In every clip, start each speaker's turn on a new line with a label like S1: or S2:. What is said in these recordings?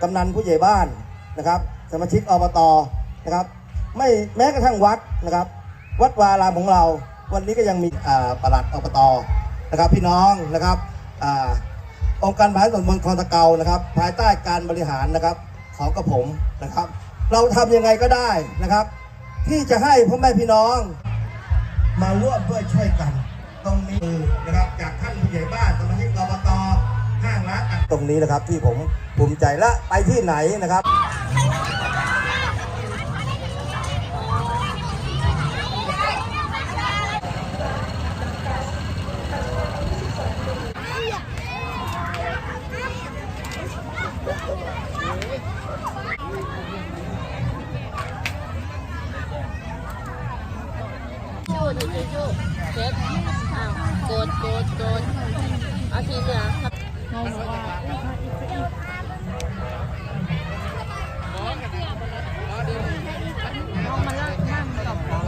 S1: ำนันผู้ใหญ่บ้านนะครับสมาชิกอบตนะครับไม่แม้กระทั่งวัดนะครับวัดวารามของเราวันนี้ก็ยังมีปลัดอบตนะครับพี่น้องนะครับองค์การบริหารส่วนตำบลคลองตะเกานะครับภายใต้การบริหารนะครับของกระผมนะครับเราทำยังไงก็ได้นะครับที่จะให้พ่อแม่พี่น้องมาร่วมด้วยช่วยกันตรงนี้นะครับจากท่านผู้ใหญ่บ้านสมาชิกอบตห้างร้านตรงนี้นะครับที่ผมภูมิใจและไปที่ไหนนะครับ
S2: จูเช็คโกดเอาทีเหลืองครับน้องมาเลิกนั่งกับผม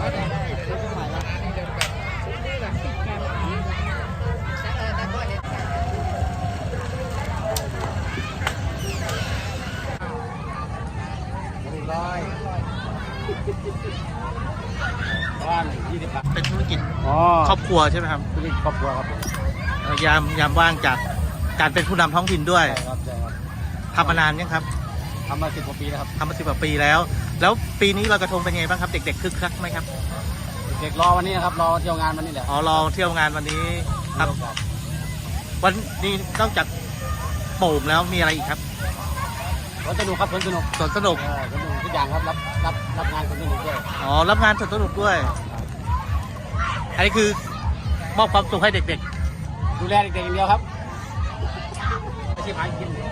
S3: เป็นธุรกิจครอบครัวใช่ไหมครับธุรกิจครอบครัวครับยามว่างจากการเป็นผู้นำท้องถิ่นด้วยทำมานานยังครับทำมา10 กว่าปีแล้วครับทำมา10 กว่าปีแล้วปีนี้ลอยกระทงเป็นไงบ้างครับเด็กๆคึกคักไหมครับเด็กรอวันนี้นะครับรอเที่ยวงานวันนี้แหละรอเที่ยวงานวันนี้ครับวันนี้นอกจากโป่งแล้วมีอะไรอีกครับสนุกครับสนุกสนุกทุกอย่างครับรับงานสนุกด้วยรับงานสนุกด้วยอันนี้คือมอบความสุขให้เด็กๆดูแลเด็กๆอย่างเดียวครับอาชีพหากิน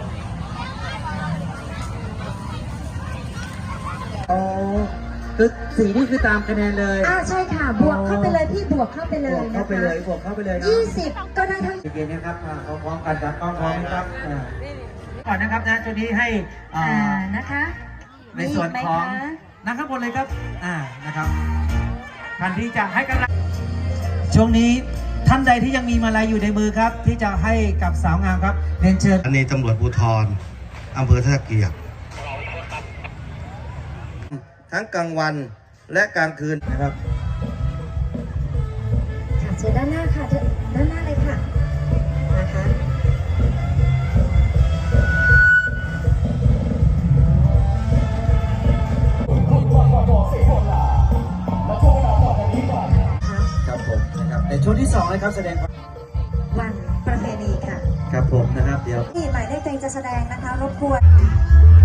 S4: คือสีนี่คือตามคะแนนเลย
S5: ใช่ค่ะบวกเข้าไปเลยพี่บวกเข้าไปเลย
S4: บวกเข้าไปเลย
S5: 20ก็ได้ทั้ง
S4: เกมนี้ครับพร้อมกันจากกล้องพร้อมนะครับก่อนนะครับนะช่วงนี้ให้
S5: นะคะ
S4: ในส่วนของนั่งข้างบนเลยครับนะครับท่านที่จะให้กำลังช่วงนี้ท่านใดที่ยังมีมาลัยอยู่ในมือครับที่จะให้กับสาวงามครับเรียนเชิญ
S1: อันนี้ตำรวจภูธรอำเภอท่าเกียรติทั้งกลางวันและกลางคืนนะครับ
S5: ค่ะเชิญด้านหน้าค่ะด้านหน้าเลยค่ะนะคะ
S4: ครับผมนะครับในช่วงที่2นะครับแสดง
S5: วันประเพณีค่ะ
S4: ครับผมนะครับเดี๋ยว
S5: ที่หมายเลขตัวเองจะแสดงนะคะรบกวน